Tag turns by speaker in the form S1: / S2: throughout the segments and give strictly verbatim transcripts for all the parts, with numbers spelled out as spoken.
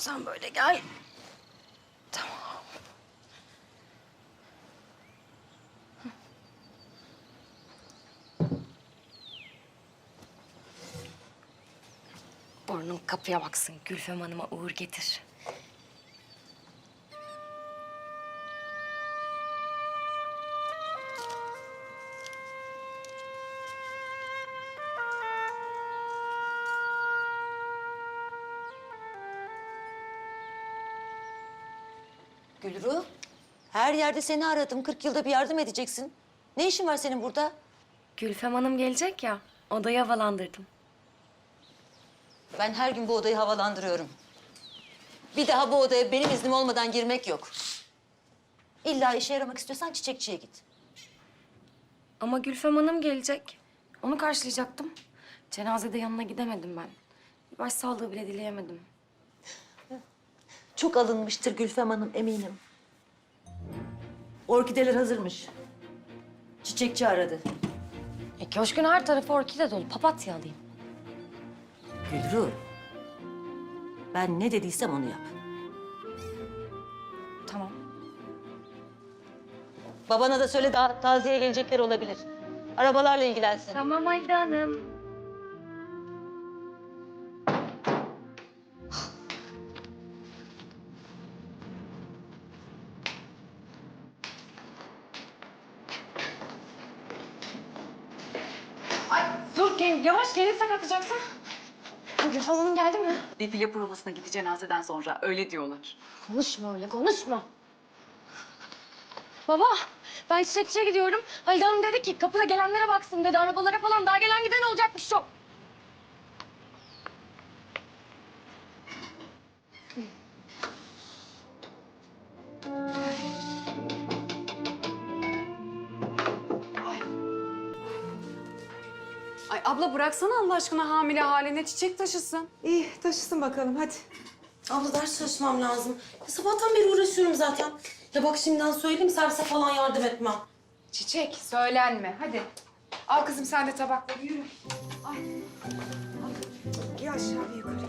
S1: Sen böyle gel. Tamam. Burnun kapıya baksın. Gülfem Hanım'a uğur getir.
S2: Gülru, her yerde seni aradım. Kırk yılda bir yardım edeceksin. Ne işin var senin burada?
S1: Gülfem Hanım gelecek ya. Odayı havalandırdım.
S2: Ben her gün bu odayı havalandırıyorum. Bir daha bu odaya benim iznim olmadan girmek yok. İlla işe yaramak istiyorsan çiçekçiye git.
S1: Ama Gülfem Hanım gelecek. Onu karşılayacaktım. Cenazede yanına gidemedim ben. Bir başsağlığı bile dileyemedim.
S2: Çok alınmıştır Gülfem Hanım, eminim. Orkideler hazırmış. Çiçekçi aradı.
S1: E köşkün her tarafı orkide dolu. Papatya alayım.
S2: Gülru, ben ne dediysem onu yap.
S1: Tamam.
S2: Babana da söyle, daha taziye gelecekler olabilir. Arabalarla ilgilensin.
S1: Tamam Halide Hanım. Ay dur gel, yavaş gelirsen atacaksın. Gülfem Hanım geldi mi?
S3: Defile provasına gitti cenazeden sonra. Öyle diyorlar.
S1: Konuşma öyle, konuşma. Baba, ben çiçekçiye gidiyorum. Halide Hanım dedi ki kapıda gelenlere baksın dedi. Arabalara falan daha gelen giden olacakmış çok.
S3: Ay abla bıraksana Allah aşkına hamile haline çiçek taşısın.
S4: İyi taşısın bakalım hadi.
S5: Abla ders çalışmam lazım. Ya sabahtan beri uğraşıyorum zaten. Ya bak şimdiden söyleyeyim servise falan yardım etmem.
S3: Çiçek söylenme hadi. Al kızım sen de tabakları yürü. Ay.
S4: Bir aşağı bir yukarı.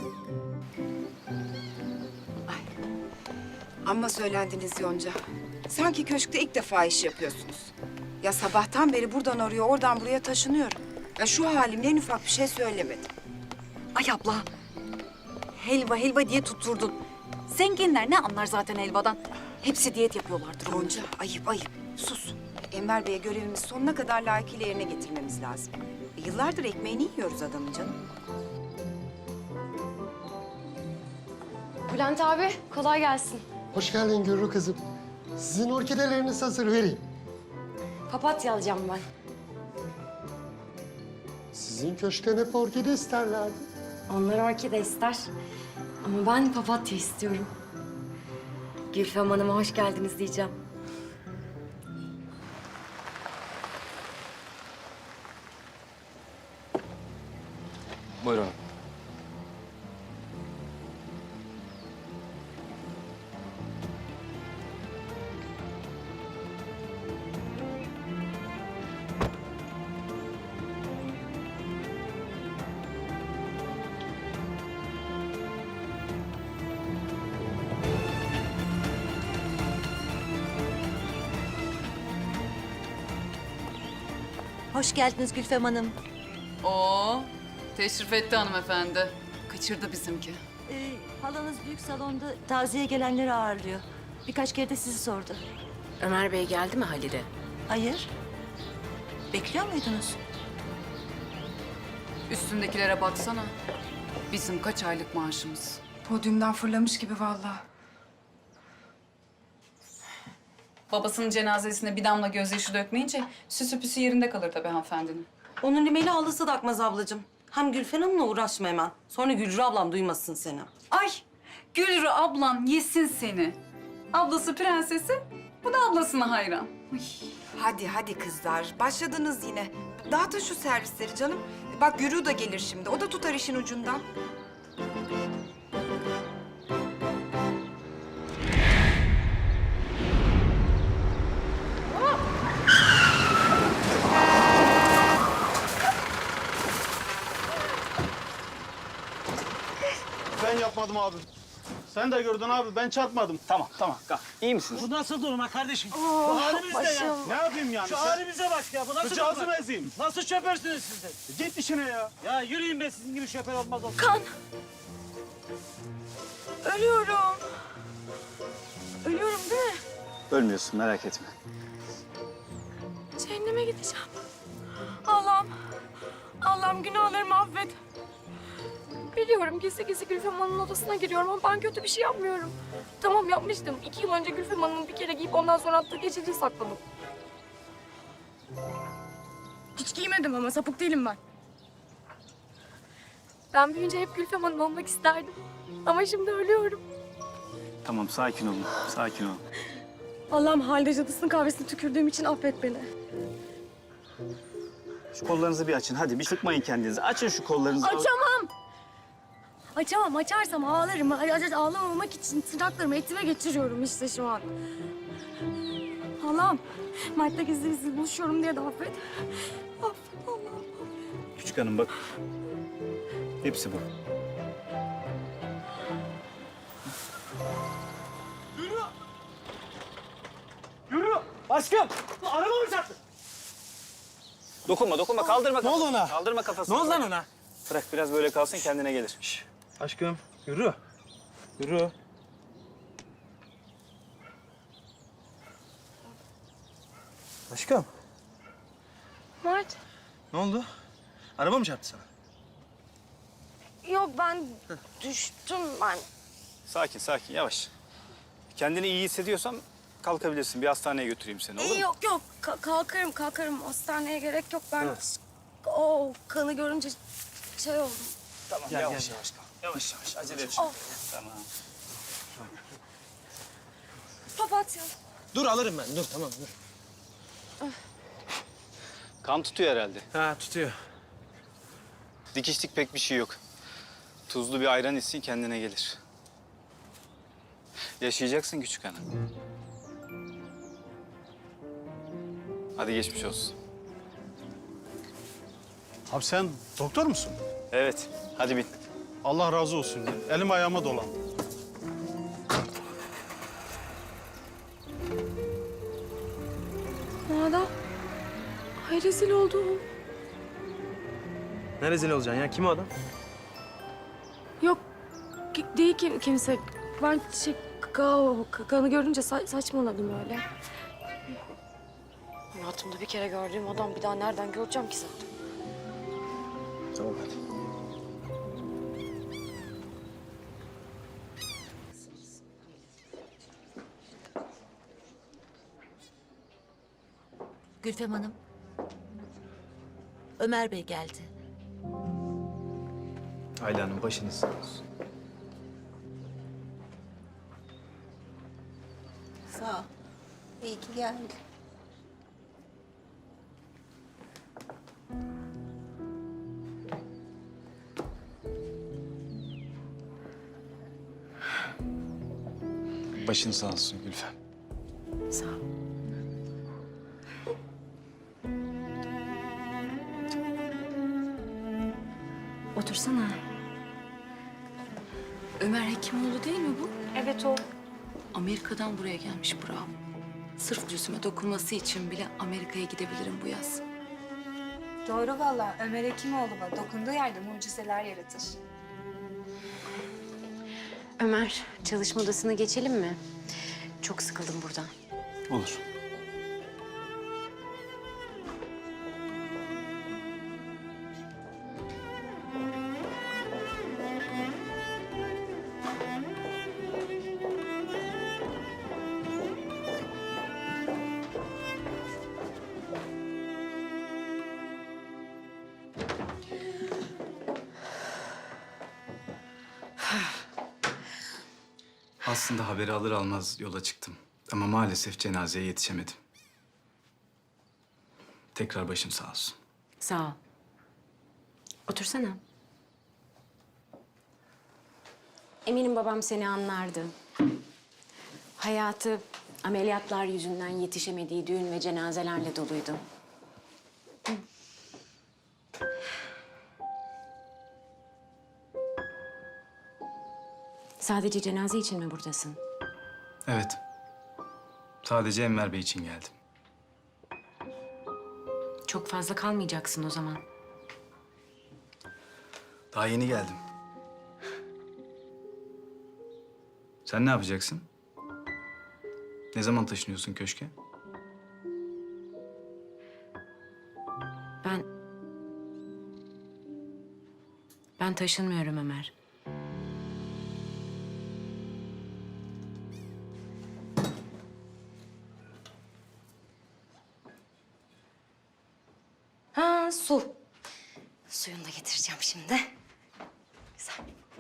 S6: Amma söylendiniz Yonca. Sanki köşkte ilk defa iş yapıyorsunuz. Ya sabahtan beri buradan oraya, oradan buraya taşınıyorum. Ya şu halimle en ufak bir şey söylemedim.
S7: Ay abla, helva helva diye tutturdun. Zenginler ne anlar zaten helvadan? Hepsi diyet yapıyorlardır.
S6: Yonca, ayıp ayıp. Sus. Enver Bey'e görevimizi sonuna kadar layıkıyla yerine getirmemiz lazım. E, yıllardır ekmeğini yiyoruz adamın canım.
S1: Bülent abi, kolay gelsin.
S8: Hoş geldin Gürru kızım. Sizin orkideleriniz hazır, vereyim.
S1: Papatya alacağım ben.
S8: Sizin köşkten hep orkide isterlerdi.
S1: Onlar orkide ister. Ama ben papatya istiyorum. Gülfem Hanım'a hoş geldiniz diyeceğim.
S9: Buyurun.
S2: Hoş geldiniz Gülfem Hanım.
S3: Oo, teşrif etti hanımefendi. Kaçırdı bizimki.
S2: Ee, halanız büyük salonda taziye gelenleri ağırlıyor. Birkaç kere de sizi sordu.
S7: Ömer Bey geldi mi Halide?
S2: Hayır. Bekliyor muydunuz?
S3: Üstündekilere baksana. Bizim kaç aylık maaşımız.
S6: Podyumdan fırlamış gibi vallahi.
S3: Babasının cenazesine bir damla gözyaşı dökmeyince süsü püsü yerinde kalır tabii hanımefendinin.
S5: Onun rimeli ağlasa da akmaz ablacığım. Hem Gülfen Hanım'la uğraşma hemen. Sonra Gülru ablam duymasın seni.
S3: Ay, Gülru ablan yesin seni. Ablası prensesi, bu da ablasına hayran. Ay.
S6: Hadi hadi kızlar, başladınız yine. Dağıtın şu servisleri canım. Bak Gürü da gelir şimdi, o da tutar işin ucundan.
S10: Ben yapmadım abi. Sen de gördün abi, ben çarpmadım.
S9: Tamam tamam kalk. İyi misiniz?
S11: Bu nasıl durma kardeşim? Bu halimiz ne ya?
S10: Ne yapayım yani?
S11: Şu
S10: Sen
S11: halimize bak ya. Bu nasıl
S10: sıcağızı
S11: durma?
S10: ezeyim.
S11: Nasıl şoförsünüz siz de?
S10: Git işine ya.
S11: Ya yürüyün be, sizin gibi şoför olmaz olsun.
S1: Kan. Ölüyorum. Ölüyorum değil mi?
S9: Ölmüyorsun merak etme.
S1: Cehenneme gideceğim. Allah'ım. Allah'ım günahlarımı affet. Biliyorum gizli gizli Gülfem Hanım'ın odasına giriyorum ama ben kötü bir şey yapmıyorum. Tamam yapmıştım. İki yıl önce Gülfem Hanım'ın bir kere giyip ondan sonra attığı geceliği sakladım. Hiç giymedim ama sapık değilim ben. Ben büyüyünce hep Gülfem Hanım olmak isterdim. Ama şimdi ölüyorum.
S9: Tamam sakin olun. Sakin olun.
S1: Allah'ım halde cadısının kahvesine tükürdüğüm için affet beni.
S9: Şu kollarınızı bir açın. Hadi bir sıkmayın kendinizi. Açın şu kollarınızı.
S1: Açamam. Açamam. Açarsam ağlarım. Ay- ay- Ağlamamak için tırnaklarımı etime geçiriyorum işte şu an. Allah'ım. Mert'le gizli gizli buluşuyorum diye de affet. Affet Allah'ım.
S9: Küçük hanım bak. Hepsi bu.
S11: Yürü! Aşkım! Araba mı çarptı?
S9: Dokunma dokunma kaldırma.
S11: Ne oldu ona?
S9: Kaldırma kafasını.
S11: Ne oldu lan ona?
S9: Bırak biraz böyle kalsın kendine gelir.
S11: Aşkım yürü. Yürü. Aşkım
S1: Mert.
S11: ne oldu? Araba mı çarptı sana?
S1: Yok ben düştüm ben.
S9: Sakin sakin yavaş. Kendini iyi hissediyorsan kalkabilirsin. Bir hastaneye götüreyim seni olur mu?
S1: Yok yok Ka- kalkarım kalkarım. Hastaneye gerek yok ben. O kanı görünce şey oldum.
S9: Tamam
S11: Gel,
S9: yavaş
S11: gel,
S9: yavaş kalk. Yavaş yavaş acele et. Tamam.
S1: Papatya.
S11: Dur alırım ben. Dur tamam dur.
S9: Kan tutuyor herhalde.
S11: Ha tutuyor.
S9: Dikişlik pek bir şey yok. Tuzlu bir ayran içsin kendine gelir. Yaşayacaksın küçük hanım. Hadi geçmiş olsun.
S10: Abi sen doktor musun?
S9: Evet hadi bin.
S10: Allah razı olsun. Elim ayağıma dolan.
S1: Nada. Ay rezil oldum.
S11: Ne rezil olacaksın ya? Kim o adam?
S1: Yok ki- değil ki kimse. Ben şey, ka- ka- kanı görünce sa- saçmaladım öyle. Hayatımda bir kere gördüğüm adam bir daha nereden göreceğim ki zaten?
S9: Tamam hadi.
S2: Gülfem Hanım. Ömer Bey geldi.
S9: Ayla Hanım başınız sağ olsun.
S2: Sağ ol. İyi ki geldin.
S9: Başın sağ olsun Gülfem.
S1: Sağ ol. Otursana.
S3: Ömer Hekimoğlu değil mi bu?
S1: Evet o.
S3: Amerika'dan buraya gelmiş bravo. Sırf yüzüme dokunması için bile Amerika'ya gidebilirim bu yaz.
S6: Doğru valla. Ömer Hekimoğlu var. Dokunduğu yerde mucizeler yaratır.
S12: Ömer, çalışma odasına geçelim mi? Çok sıkıldım buradan.
S9: Olur. Aslında haberi alır almaz yola çıktım. Ama maalesef cenazeye yetişemedim. Tekrar başım sağ olsun.
S12: Sağ ol. Otursana. Eminim babam seni anlardı. Hayatı ameliyatlar yüzünden yetişemediği düğün ve cenazelerle doluydu. Sadece cenaze için mi buradasın?
S9: Evet. Sadece Enver Bey için geldim.
S12: Çok fazla kalmayacaksın o zaman.
S9: Daha yeni geldim. Sen ne yapacaksın? Ne zaman taşınıyorsun köşke?
S12: Ben... Ben taşınmıyorum Ömer.
S2: Ha su. Suyunu da getireceğim şimdi. Güzel.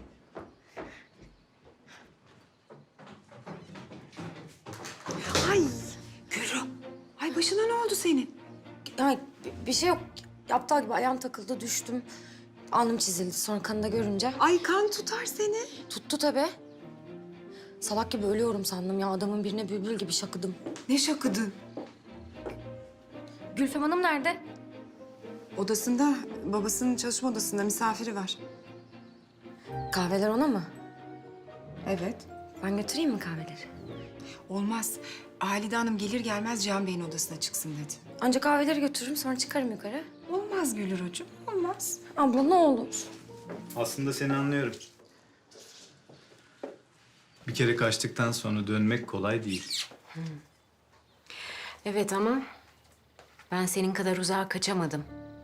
S6: Ay Gülru. Ay başına ne oldu senin?
S1: Ya bir- bir şey yok. Aptal gibi ayağım takıldı, düştüm. Alnım çizildi sonra kanı da görünce.
S6: Ay kan tutar seni.
S1: Tuttu tabii. Salak gibi ölüyorum sandım ya. Adamın birine bülbül gibi şakıdım.
S6: Ne şakıdın?
S1: Gülfem Hanım nerede?
S6: Odasında, babasının çalışma odasında misafiri var.
S1: Kahveler ona mı?
S6: Evet.
S1: Ben götüreyim mi kahveleri?
S6: Olmaz. Halide Hanım gelir gelmez Cihan Bey'in odasına çıksın dedi.
S1: Önce kahveleri götürürüm sonra çıkarım yukarı.
S6: Olmaz Gülrucuğum, olmaz.
S1: Abla ne olur.
S9: Aslında seni anlıyorum. Bir kere kaçtıktan sonra dönmek kolay değil.
S12: Evet ama ben senin kadar uzağa kaçamadım.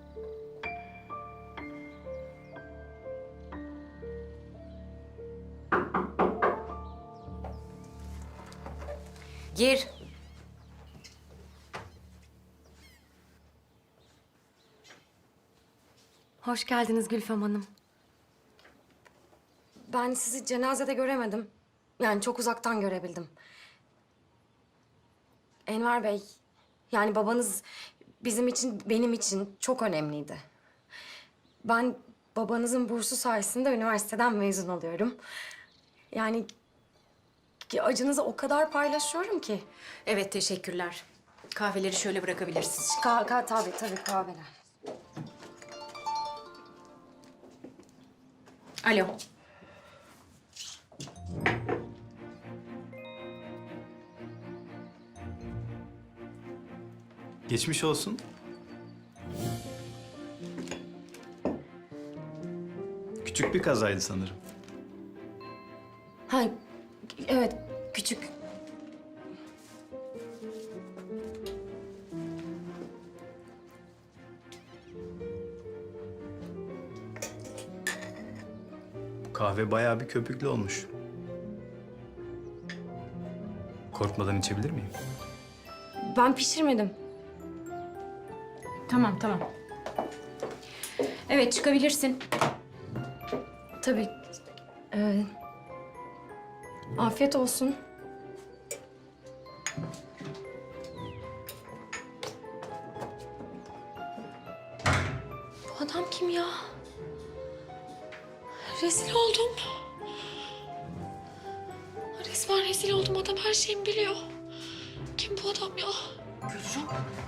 S12: Gir.
S1: Hoş geldiniz Gülfem Hanım. Ben sizi cenazede göremedim. Yani çok uzaktan görebildim. Enver Bey, yani babanız bizim için, benim için çok önemliydi. Ben babanızın bursu sayesinde üniversiteden mezun oluyorum. Yani ki acınızı o kadar paylaşıyorum ki.
S12: Evet, teşekkürler. Kahveleri şöyle bırakabilirsiniz.
S1: Ka ka tabii tabii kahveler.
S12: Alo.
S9: Geçmiş olsun. Küçük bir kazaydı sanırım.
S1: Ha, evet küçük.
S9: Bu kahve bayağı bir köpüklü olmuş. Korkmadan içebilir miyim?
S1: Ben pişirmedim.
S12: Tamam, tamam. Evet, çıkabilirsin.
S1: Tabii. Ee, afiyet olsun. Bu adam kim ya? Rezil oldum. Resmen rezil oldum. Adam her şeyimi biliyor. Kim bu adam ya?
S6: Gülru.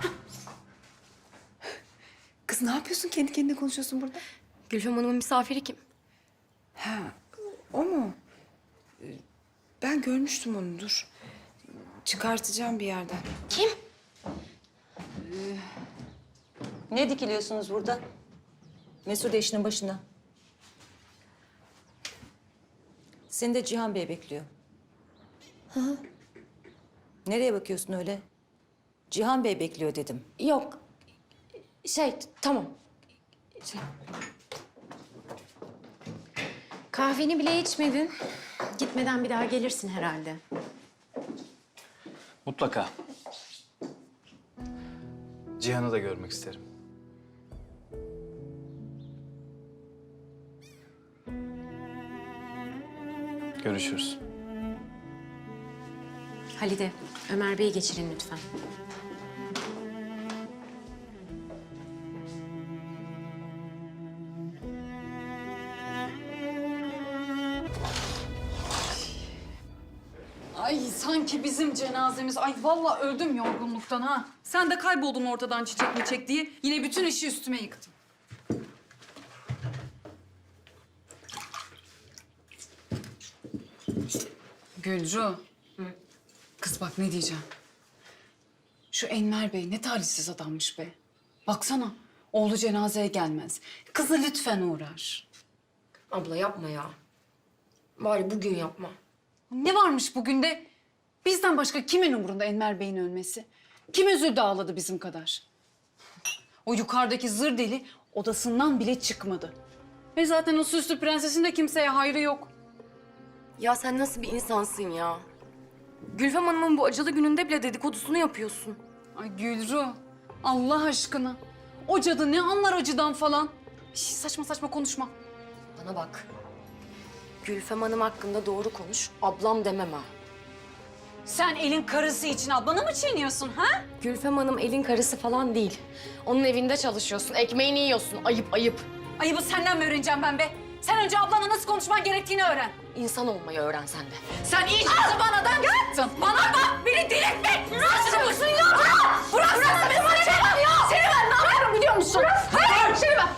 S6: Kız ne yapıyorsun? Kendi kendine konuşuyorsun burada.
S1: Gülfem Hanım'ın misafiri kim?
S6: Ha, o mu? Ee, Ben görmüştüm onu, dur. Çıkartacağım bir yerden.
S1: Kim?
S2: Ne dikiliyorsunuz burada? Mesude işinin başına. Seni de Cihan Bey bekliyor. Hı hı. Nereye bakıyorsun öyle? Cihan Bey bekliyor dedim.
S1: Yok. Şey, tamam. Şey,
S12: Kahveni bile içmedin. Gitmeden bir daha gelirsin herhalde.
S9: Mutlaka. Cihan'ı da görmek isterim. Görüşürüz.
S12: Halide, Ömer Bey'i geçirin lütfen.
S3: Ay sanki bizim cenazemiz. Ay vallahi öldüm yorgunluktan ha. Sen de kayboldun ortadan çiçek mi çek diye. Yine bütün işi üstüme yıktın. Gülru. Kız bak ne diyeceğim. Şu Enver Bey ne talihsiz adammış be. Baksana oğlu cenazeye gelmez. Kızı lütfen uğrar.
S1: Abla yapma ya. Bari bugün yapma.
S3: Ne varmış bugün de? Bizden başka kimin umurunda Enver Bey'in ölmesi? Kim üzüldü ağladı bizim kadar? O yukarıdaki zır deli odasından bile çıkmadı. Ve zaten o süslü prensesin de kimseye hayrı yok.
S1: Ya sen nasıl bir insansın ya? Gülfem Hanım'ın bu acılı gününde bile dedikodusunu yapıyorsun.
S3: Ay Gülru, Allah aşkına. O cadı ne anlar acıdan falan? Şş, saçma saçma konuşma.
S1: Bana bak. Gülfem Hanım hakkında doğru konuş, ablam demem ha.
S3: Sen elin karısı için ablanı mı çiğniyorsun ha?
S1: Gülfem Hanım elin karısı falan değil. Onun evinde çalışıyorsun, ekmeğini yiyorsun. Ayıp ayıp.
S3: Ayıbı senden mi öğreneceğim ben be? Sen önce ablanla nasıl konuşman gerektiğini öğren.
S1: İnsan olmayı öğren sen de.
S3: Sen iyice zıvanadan çıktın. Bana bak, beni delirtme. Nasıl mısın ya? Bırak! Bırak! Bırak beni bana çekmem ya! Seni ben ne yapıyorum biliyor musun? Hayır! Seni ben...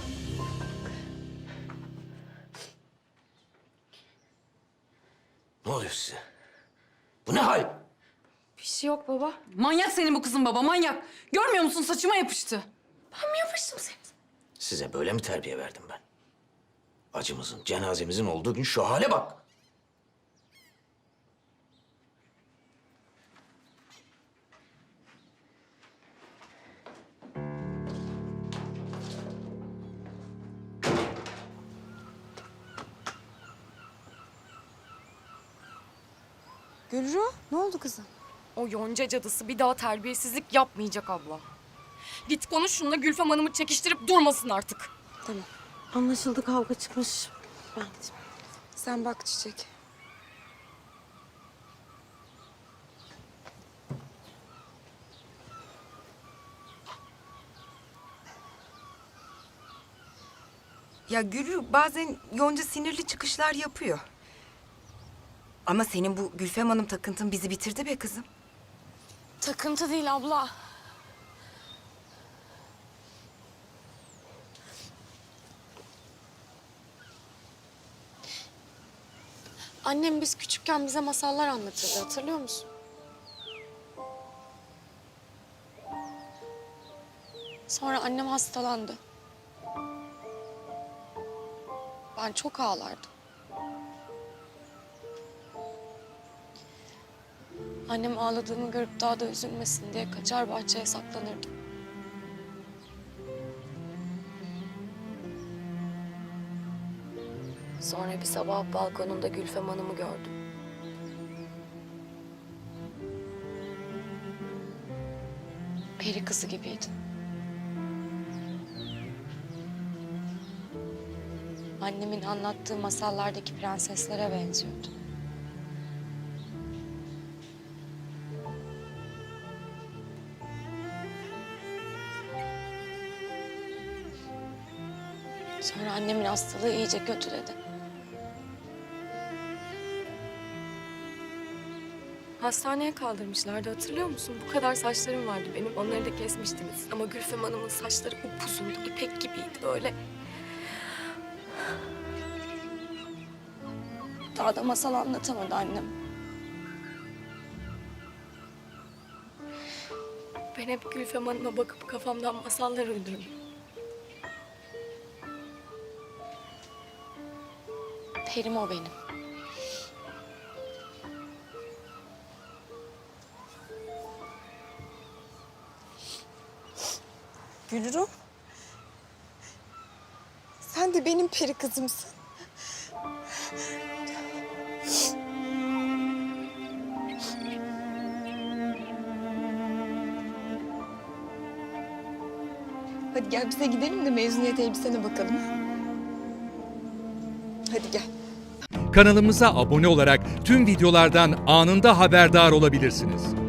S11: Ne oluyor size? Bu ne hal?
S1: Bir şey yok baba.
S3: Manyak senin bu kızın baba, manyak. Görmüyor musun saçıma yapıştı.
S1: Ben mi yapıştım seni?
S11: Size böyle mi terbiye verdim ben? Acımızın, cenazemizin olduğu gün şu hale bak.
S6: Gülru, ne oldu kızım?
S1: O Yonca cadısı bir daha terbiyesizlik yapmayacak abla. Git konuş şununla, Gülfem Hanım'ı çekiştirip durmasın artık.
S5: Tamam. Anlaşıldı, kavga çıkmış. Ben gideyim.
S6: Sen bak Çiçek. Ya Gülru bazen Yonca sinirli çıkışlar yapıyor. Ama senin bu Gülfem Hanım takıntın bizi bitirdi be kızım.
S1: Takıntı değil abla. Annem biz küçükken bize masallar anlatırdı, hatırlıyor musun? Sonra annem hastalandı. Ben çok ağlardım. Annem ağladığımı görüp daha da üzülmesin diye kaçar bahçeye saklanırdım. Sonra bir sabah balkonunda Gülfem Hanım'ı gördüm. Peri kızı gibiydi. Annemin anlattığı masallardaki prenseslere benziyordu. Sonra annemin hastalığı iyice kötüledi. Hastaneye kaldırmışlardı, hatırlıyor musun? Bu kadar saçlarım vardı benim, onları da kesmiştiniz. Ama Gülfem Hanım'ın saçları upuzundu, ipek gibiydi böyle. Daha da masal anlatamadı annem. Ben hep Gülfem Hanım'a bakıp kafamdan masallar uydurdum. Perim o benim.
S6: Gülru. Sen de benim peri kızımsın. Hadi gel bize gidelim de mezuniyet elbisene bakalım. Hadi gel.
S13: Kanalımıza abone olarak tüm videolardan anında haberdar olabilirsiniz.